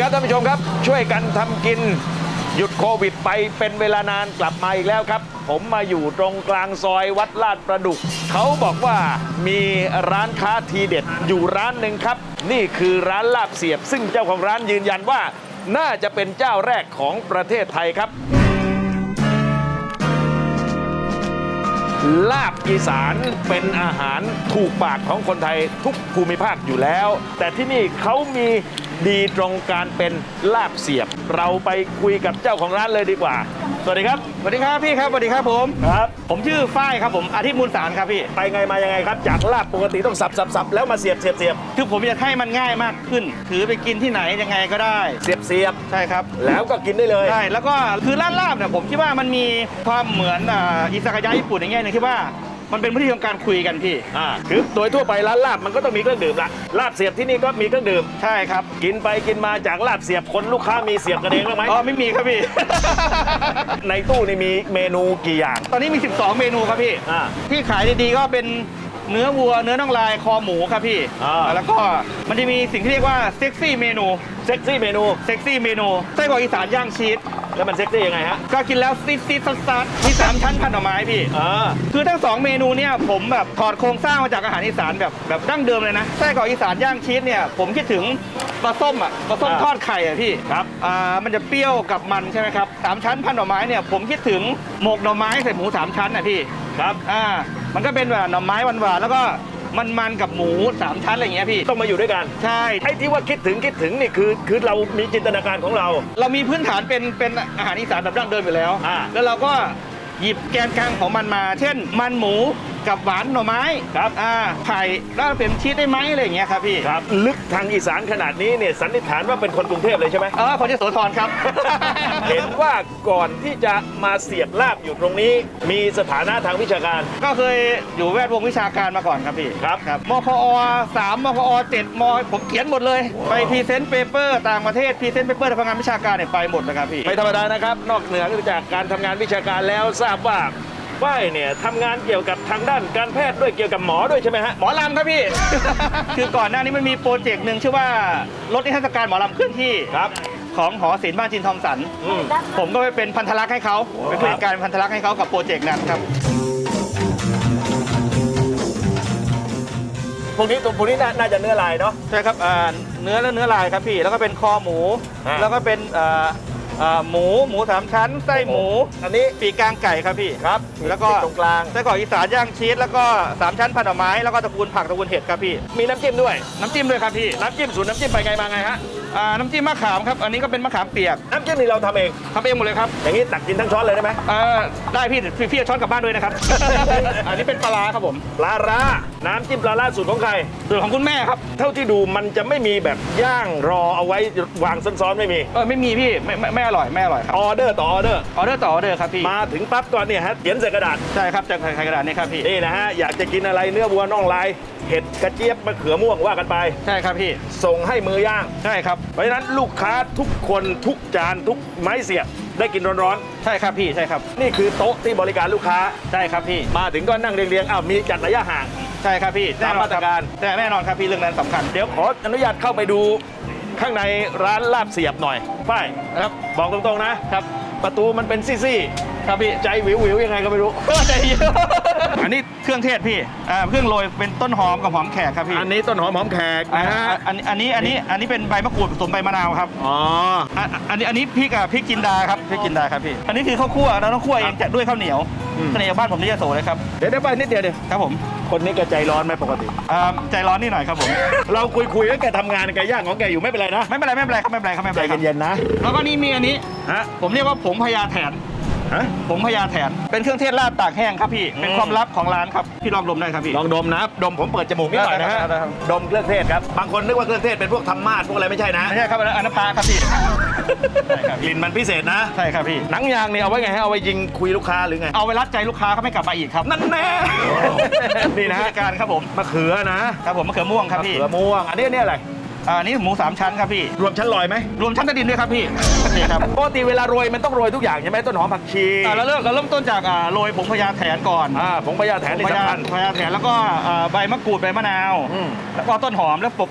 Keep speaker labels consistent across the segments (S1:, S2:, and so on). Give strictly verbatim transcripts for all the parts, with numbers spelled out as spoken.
S1: ท่านผู้ชมครับช่วยกันทำกินหยุดโควิดไปเป็นเวลานานกลับมาอีกแล้วครับผมมาอยู่ตรงกลางซอยวัดลาดประดุกเขาบอกว่ามีร้านค้าทีเด็ดอยู่ร้านหนึ่งครับนี่คือร้านลาบเสียบซึ่งเจ้าของร้านยืนยันว่าน่าจะเป็นเจ้าแรกของประเทศไทยครับลาบอีสานเป็นอาหารถูกปากของคนไทยทุกภูมิภาคอยู่แล้วแต่ที่นี่เขามีดีตรงการเป็นลาบเสียบเราไปคุยกับเจ้าของร้านเลยดีกว่าสวัสดีครับ
S2: สวัสดีครับพี่ครับสวัสดีครับผม
S1: ครับ
S2: ผมชื่อฝ้ายครับผมอาทิตย์มูลสารครับพี่
S1: ไปไงมายังไงครับจากลาบปกติต้องสับสับสับแล้วมาเสียบเสียบเสียบ
S2: คือผมอยากให้มันง่ายมากขึ้นถือไปกินที่ไหนยังไงก็ได้
S1: เสียบเสียบ
S2: ใช่ครับ
S1: แล้วก็กินได้เลย
S2: ใช่แล้วก็คือร้านลาบเนี่ยผมคิดว่ามันมีความเหมือนอิซากายะญี่ปุ่นอย่างเงี้ยนึงที่ว่ามันเป็นวิธีของการคุยกันพี่
S1: อ่าคือโดยทั่วไปร้านลาบมันก็ต้องมีเครื่องดื่มละลาบเสียบที่นี่ก็มีเครื่องดื่ม
S2: ใช่ครับ
S1: กินไปกินมาจากลาบเสียบคนลูกค้ามีเสียบกันเองบ้างไหม
S2: อ๋อไม่มีครับพี่
S1: ในตู้นี่มีเมนูกี่อย่าง
S2: ตอนนี้มีสิบสองเมนูครับพี่
S1: อ่า
S2: ที่ขายดีๆก็เป็นเนื้อวัวเนื้อน่องลายคอหมูครับพี่แล้วก็มันจะมีสิ่งที่เรียกว่าเซ็กซี่เมนู
S1: เซ็กซี่เมนู
S2: เซ็กซี่เมนูไส้กรอกอีสานย่างชีส
S1: แล้วมันเซ็กซี่ยังไงฮะ
S2: ก็กินแล้วซีดซีดซัดซัดมีสามชั้นพันหน่อไม้พี่
S1: อ่า
S2: คือทั้งสองเมนูเนี่ยผมแบบถอดโครงสร้างมาจากอาหารอีสานแบบแบบดั้งเดิมเลยนะไส้กรอกอีสานย่างชีสเนี่ยผมคิดถึงปลาส้มอ่ะปลาส้มทอดไข่อ่ะพี่
S1: ครับ
S2: อ่ามันจะเปรี้ยวกับมันใช่ไหมครับสามชั้นพันหน่อไม้เนี่ยผมคิดถึงหมกหน่อไม้ใส่หมูสามชั้นอ่ะพี่
S1: ครับ
S2: อ่ามันก็เป็นแบบหน่อไม้หวานๆแล้วก็มันมันกับหมูสามชั้นอะไรอย่างเงี้ยพี่
S1: ต้องมาอยู่ด้วยกัน
S2: ใช่
S1: ไอ้ที่ว่าคิดถึงคิดถึงนี่คือคือเรามีจินตนาการของเรา
S2: เรามีพื้นฐานเป็นเป็นอาหารอีสานแบบดั้งเดิมอยู่แล้ว
S1: อ่า
S2: แล้วเราก็หยิบแกนกลางของมันมาเช่นมันหมูกับหวานหน่อไม้
S1: ครับ
S2: อ่าไข่แล้วเป็นชีสได้ไหมอะไรอย่างเงี้ยครับพี่
S1: ครับลึกทางอีสานขนาดนี้เนี่ยสันนิษฐานว่าเป็นคนกรุงเทพเลยใช่ไหม
S2: เออคนยโสธรครับ
S1: เห็นว่าก่อนที่จะมาเสียบลาบอยู่ตรงนี้มีสถานะทางวิชาการ
S2: ก็เคยอยู่แวดวงวิชาการมาก่อนครับพี่
S1: ครับ
S2: ครับมคอสามมคอเจ็ดมผมเขียนหมดเลยไปพรีเซนต์เปเปอร์ต่างประเทศพรีเซนต์เปเปอร์ทำงานวิชาการเนี่ยไปหมดเลยครับพี่
S1: ไม่ธรรมดานะครับนอกเหนือจากการทำงานวิชาการแล้วทราบว่าฝ้ายเนี่ยทำงานเกี่ยวกับทางด้านการแพทย์ด้วยเกี่ยวกับหมอด้วยใช่ไหมฮะ
S2: หมอลำครับพี่ คือก่อนหน้านี้มันมีโปรเจกต์หนึ่งชื่อว่ารถนิทรรศการหมอลำเคลื่อนที่
S1: ครับ
S2: ของหอศิลป์บ้านจินทอมสันผมก็ไปเป็นพันธลักษณ์ให้เขาเป็นผู้จัดการพันธลักษณ์ให้เขากับโปรเจกต์นั้นครับ
S1: พวกนี้ตัวพวกนี้น่าจะเนื้อลายเนาะ
S2: ใช่ครับเนื้อและเนื้อลายครับพี่แล้วก็เป็นคอหมูแล้วก็เป็นหมูหมูสามชั้นไส้หมู
S1: อันนี้
S2: ปีกกลางไก่ครับพี่
S1: ครับ
S2: แล้วก็
S1: ตรงกลาง
S2: ไส้กรอกอีสานย่างชีสแล้วก็สามชั้นผัดหน่อไม้แล้วก็ตระกูลผักตระกูลเห็ดครับพี่
S1: มีน้ำจิ้มด้วย
S2: น้ำจิ้มด้วยครับพี่
S1: น้ำจิ้มสูตรน้ำจิ้มไปไงมาไงฮะ
S2: อ่าน้ำจิ้มมะขามครับอันนี้ก็เป็นมะขามเปียก
S1: น้ำจิ้มนี่เราทำเอง
S2: ทำเองหมดเลยครับ
S1: อย่างนี้ตักกินทั้งช้อนเลยได้ไหม
S2: อ่าได้พี่พี่พี่ช้อนกลับบ้านด้วยนะครับ อันนี้เป็นปลาร้าครับผม
S1: ปลาร้าน้ำจิ้มปลาร้าสูตรของใคร
S2: สูตรของคุณแม่ครับ
S1: เท่าที่ดูมันจะไม่มีแบบย่างรอเอาไว้วางซ้อนๆไม่มี
S2: เออไม่มีพี่ไม่ไม่อร่อยไม่อร่อยครับ
S1: ออเดอร์ต่อออเดอร์
S2: ออเดอร์ต่อออเดอร์ครับพี่
S1: มาถึงปั๊บก่อนเนี่ยฮะเขียนใส่กระดาษ
S2: ใช่ครับจะใส่กระดาษนี่ครับพี่
S1: นี่นะฮะอยากจะกินอะไรเนื้อวัวน่องลายเห็ดกระเจี๊ยบมะเขือม่วงว่ากันไป
S2: ใช่ครับพี่
S1: ส่งให้มือย่าง
S2: ใช่ครับ
S1: เพราะฉะนั้นลูกค้าทุกคนทุกจานทุกไม้เสียบได้กินร้อน
S2: ๆใช่ครับพี่ใช่ครับ
S1: นี่คือโต๊ะที่บริการลูกค้า
S2: ใช่ครับพี่
S1: มาถึงก็นั่งเรียงๆอ้าวมีจัดระยะห่าง
S2: ใช่ครับพี่
S1: ตามมาตรการ
S2: แต่แน่นอนครับพี่เรื่องนั้นสำคัญ
S1: เดี๋ยวขออนุญาตเข้าไปดูข้างในร้านลาบเสียบหน่อยฝ้าย
S2: ครับ
S1: บอกตรงๆนะครับประตูมันเป็นซี่
S2: ๆครับพี่
S1: ใจวิววิวยังไงก็ไม่รู้
S2: ใจเยอะอันนี้เครื่องเทศพี่อ่าเครื่องโรยเป็นต้นหอมกับหอมแขกครับพี่
S1: อันนี้ต้นหอมหอมแขกนะฮะ
S2: อันนี้อันนี้อันนี้อันนี้เป็นใบมะกรูดผสมใบมะนาวครับ
S1: อ๋อ
S2: อันนี้อันนี้พริกอ่ะพริกจินดาครับพริกจินดาครับพี่อันนี้คือข้าวคั่วเราต้องคั่วเองจะด้วยข้าวเหนียวเสน่ห์บ้านผมนี่จะโสเลยครับ
S1: เดี๋ยวเดี๋ยวไปนิดเดียวเดียว
S2: ครับผม
S1: คนนี้แกใจร้อนไหมปกติ
S2: อ่าใจร้อนนิดหน่อยครับผม
S1: เราคุยคุยแล้วแกทำงานแกย่างของแกอยู่ไม่เป็นไรนะ
S2: ไม่เป็นไรไม่เป็นไรครับไม่เป็นไรครับไม่เป็นไร
S1: ใจเย็นๆนะ
S2: แล้วก็นี่มีอันนี้
S1: ฮะ
S2: ผมเรียกว่าผงพญาแถนผงพญาแถนเป็นเครื่องเทศลาบตากแห้งครับพี่เป็นความลับของร้านครับพี่ลองดมได้ครับพี่
S1: ลองดมนะดมผมเปิดจมูกนิดหน่อยนะฮะดมเครื่องเทศครับบางคนนึกว่าเครื่องเทศเป็นพวกธรรมาสพวกอะไรไม่ใช่นะ
S2: ไม่ใช่ครับอันนั้นพาครับพี่
S1: กลิ่นมันพิเศษนะ
S2: ใช่ครับพี่
S1: หนังยางเนี่ยเอาไว้ไงฮะเอาไว้ยิงคุยลูกค้าหรือไง
S2: เอาไว้รัดใจลูกค้าเขาไม่กลับมาอีกครับ
S1: นั่นแน่นี่นะ
S2: การครับผม
S1: มะเขือนะครับ
S2: ผมมะเขือม่วงครับพี่
S1: มะเขือม่วงอันนี้นี่อะไร
S2: อันนี้หมูสามชั้นครับพี่
S1: รวมชั้นลอยไหม
S2: รวมชั้นใต้ดินด้วยครับพี่นี่ครับ
S1: ปกติเวลาโรยมันต้องโรยทุกอย่างใช่ไหมต้นหอมผักชี
S2: เราเริ่มเราเริ่มต้นจากโรยผงพญาแถนก่อน
S1: อ่าผงพญาแถนนี่สำคัญ
S2: พญาแถนแล้วก็ใบมะกรูดใบมะนาวแล้วก็ต้นหอมแล้วป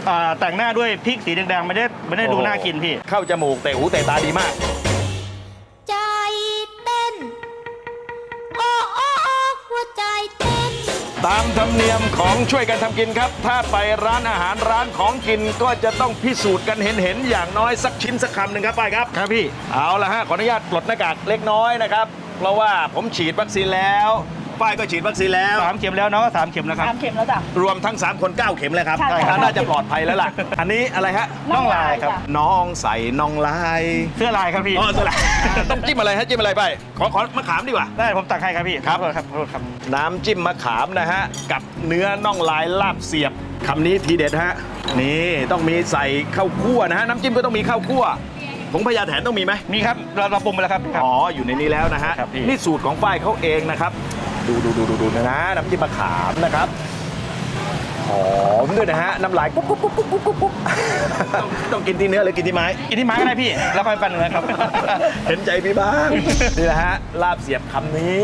S2: อ่าแต่งหน้าด้วยพริกสีแดงๆไม่ได้ไม่ได้ดูน่ากินพี่
S1: เข้าจมูกเตะหูเตะตาดีมาก
S3: ใจเต้น โอ้โอ้โอ้หัวใจเต้น
S1: ตามธรรมเนียมของช่วยกันทำกินครับ ถ้าไปร้านอาหารร้านของกินก็จะต้องพิสูจน์กันเห็นเห็นๆอย่างน้อยสักชิ้นสักคำหนึ่งครับไปครับ
S2: ครับพี่
S1: เอาละฮะขออนุญาตปลดหน้ากากเล็กน้อยนะครับ เพราะว่าผมฉีดวัคซีนแล้วฝ้ายก็ฉีดวัคซีนแล้ว
S2: สามเข็มแล้วน้องก็สามเข็มแล้วครับ
S4: สามเข็มแล้วจ้ะ
S1: รวมทั้งสามคนเก้าเข็มเลยครับ
S4: ใช่ค่ะ
S1: น่าจะปลอดภัยแล้วล่ะ อันนี้อะไรฮะ
S2: น่องลายครับ
S4: จ้ะ
S1: น้องใส่น้องลาย
S2: เสื้อลายครับพี่
S1: อ๋อสลัด ต้องจิ้มอะไรฮะจิ้มอะไรไปขอขอมะขามดีกว่า
S2: ได้ผมตักให้ครับพี่
S1: ครับ
S2: ขอโทษครับขอโทษครับ
S1: น้ำจิ้มมะขามนะฮะ กับเนื้อน่องลายลาบเสียบคำนี้ทีเด็ดฮะ นี่ต้องมีใส่ข้าวคั่วนะฮะ น้ำจิ้มก็ต้องมีข้าวคั่วผงพญาแถนต้องมีไหม
S2: มีครับเราเราปรุงไปแล้วครับครับ
S1: อ๋อ อยู่ในนี้แล้วนะฮะ
S2: ครับพี่
S1: นี่สูตรของฝ้ายเขาเองนะครับ ดูดูดูดูดูนะนะน้ำจิ้มมะขามนะครับหอมด้วยนะฮะ น้ำลายกุ๊บกุ๊บกุ๊บกุ๊บกุ๊บกุ๊บต้องต้องกินที่เนื้อหรือกินที่ไม้
S2: กินที่ไม้ก็ได้พี่ แล้วค่อยปั่นเนื้อครับ
S1: เห็นใจพี่บ้าง นี่แหละฮะ ลาบเสียบคำนี้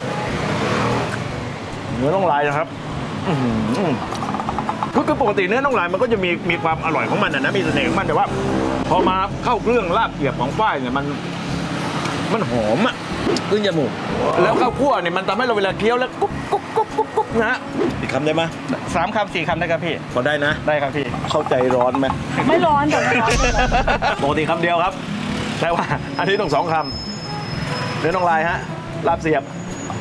S1: เนื้อน่องลายนะครับอื้อหือคือคือปกติเนื้อน่องลายมันก็จะมีมีความอร่อยของมันนะนะมีเสน่ห์ของมันแต่ว่า พอมาเข้าเครื่องลาบเสียบของฝ้ายเนี่ยมัน มันหอมอ่ะขึ้นจมูกแล้วข้าวคั่วเนี่ยมันทำให้เราเวลาเคี้ยวแล้วกุ๊บกุ๊บกุ๊บกุ๊บกุ๊บนะฮะอีกคำได้ไหม
S2: สามคำสี่คำได้ครับพี่
S1: พอได้นะ
S2: ได้ครับพี่
S1: เข้าใจร้อนไหม
S4: ไม่ร้อนจ้ะไม่ร้อน
S1: ปกติคำเดียวครับแต่ว่า อันนี้ต้องสองคำเนื้อน่องลายฮะลาบเสียบ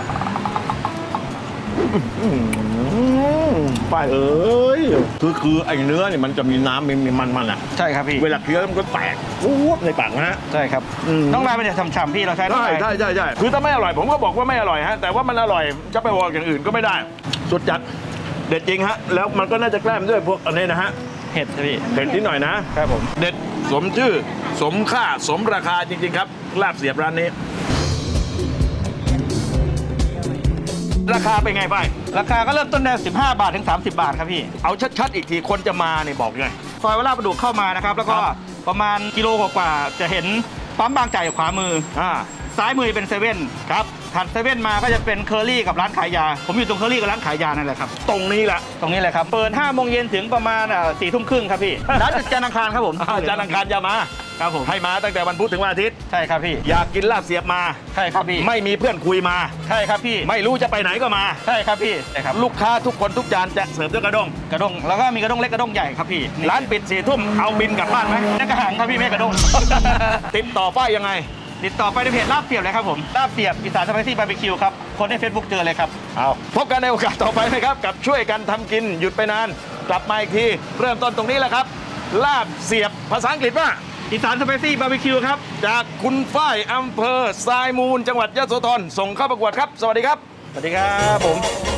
S1: ป้ายเอ้ยคือคือไอ้เนื้อเนี่ยมันจะมีน้ำมีมีมันมันๆอ่ะ
S2: ใช่ครับพี่
S1: เวลาเคี้ยวมันก็แตกวูบในปากนะฮะ
S2: ใช่ครับ
S1: อืม
S2: น้องลายมันจะฉ่ำๆพี่เราใช้น้อง
S1: ใช่
S2: ลาย
S1: ใช่ใช่ใช่คือถ้าไม่อร่อยผมก็บอกว่าไม่อร่อยฮะแต่ว่ามันอร่อยจะไปบอกอย่างอื่นก็ไม่ได้ สุดจัดเด็ดจริงฮะแล้วมันก็น่าจะแกล้มด้วยพวกอันนี้นะฮะ
S2: เห็ดพี่
S1: เด็ดนิดหน่อยนะครับ
S2: ผม
S1: เด็ดสมชื่อสมค่าสมราคาจริง ๆ ครับลาบเสียบร้านนี้ ราคาเป็นไงไป
S2: ราคาก็เริ่มต้นได้สิบห้าบาทถึงสามสิบบาทครับพี่
S1: เอาชัดๆอีกทีคนจะมาเนี่ยบอกไง
S2: ซอยวัดลาดประดุกเข้ามานะครับ แล้วก็
S1: ครับ
S2: ประมาณกิโลกว่าๆจะเห็นปั๊มบางจากอยู่ขวามือ
S1: อ่า
S2: ซ้ายมือเป็นเซเว่นครับถัดเซเว่นมาก็จะเป็นเคอรี่กับร้านขายยา ผมอยู่ตรงเคอรี่กับร้านขายยานั่นแหละครับ
S1: ตรงนี้แหละ
S2: ตรงนี้เลยครับ เปิดห้าโมงเย็นถึงประมาณสี่ทุ่มครึ่งครับพี่ ร้านจันทร์อังคารครับผม
S1: อาจารย์อังคารจะมา
S2: ครับผม
S1: ให้มาตั้งแต่วันพุธถึงวันอาทิตย์
S2: ใช่ครับพี่
S1: อยากกินลาบเสียบมา
S2: ใช่ครับพี่
S1: ไม่มีเพื่อนคุยมา
S2: ใช่ครับพี่
S1: ไม่รู้จะไปไหนก็มา
S2: ใช่ครับพี่ใช่ครับ
S1: ลูกค้าทุกคนทุกจานจะเสิร์ฟด้วยกระด้ง
S2: กระด้งแล้วก็มีกระด้งเล็กกระด้งใหญ่ครับพี่
S1: ร้านปิดสี่ทุ่มเอาบินกลับบ้านไหม
S2: นั่นกระหังครับพี่ไม่ใช่กระด้ง
S1: ติดต่อป้ายยังไง
S2: ติดต่อไปในเพจลาบเสียบเลยครับผมลาบเสียบอีสานสไปซี่บาร์บีคิวครับคนใน Facebook เจอเลยครับ
S1: เอาพบกันในโอกาสต่อไปนะครับ กับช่วยกันทำกินหยุดไปนาน กลับมาอีกที เริ่มต้นตรงนี้แหละครับ ลาบเสียบภาษาอังกฤษว่า
S2: อีสานสไปซี่บาร์บีคิวครับ
S1: จากคุณฝ้ายอำเภอทรายมูลจังหวัดยะโสธรส่งเข้าประกวดครับ สวัสดีครับ
S2: สวัสดีครับผม